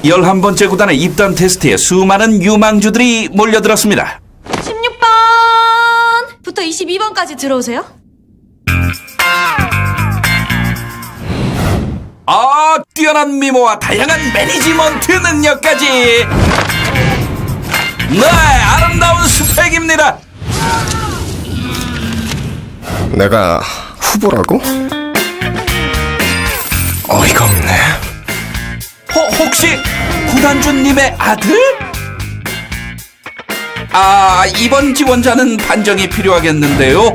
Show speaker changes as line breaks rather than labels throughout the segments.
11번째 구단의 입단 테스트에 수많은 유망주들이 몰려들었습니다.
16번부터 22번까지 들어오세요.
뛰어난 미모와 다양한 매니지먼트 능력까지. 네, 아름다운 스펙입니다.
내가 후보라고? 어이가 없네.
혹시 구단주님의 아들? 이번 지원자는 판정이 필요하겠는데요.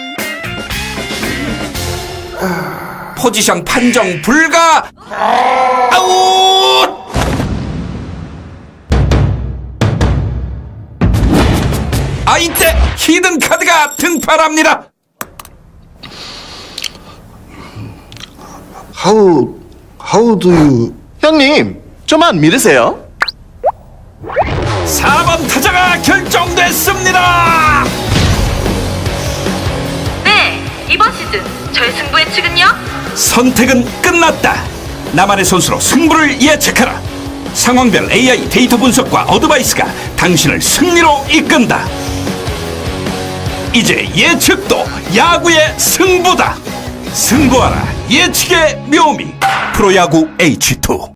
포지션 판정 불가. 아웃! 이때 히든 카드가 등판합니다.
How do you...
형님, 좀만 믿으세요.
4번 타자가 결정됐습니다.
네, 이번 시즌 저의 승부 예측은요?
선택은 끝났다. 나만의 선수로 승부를 예측하라. 상황별 AI 데이터 분석과 어드바이스가 당신을 승리로 이끈다. 이제 예측도 야구의 승부다. 승부하라. 예측의 묘미. 프로야구 H2.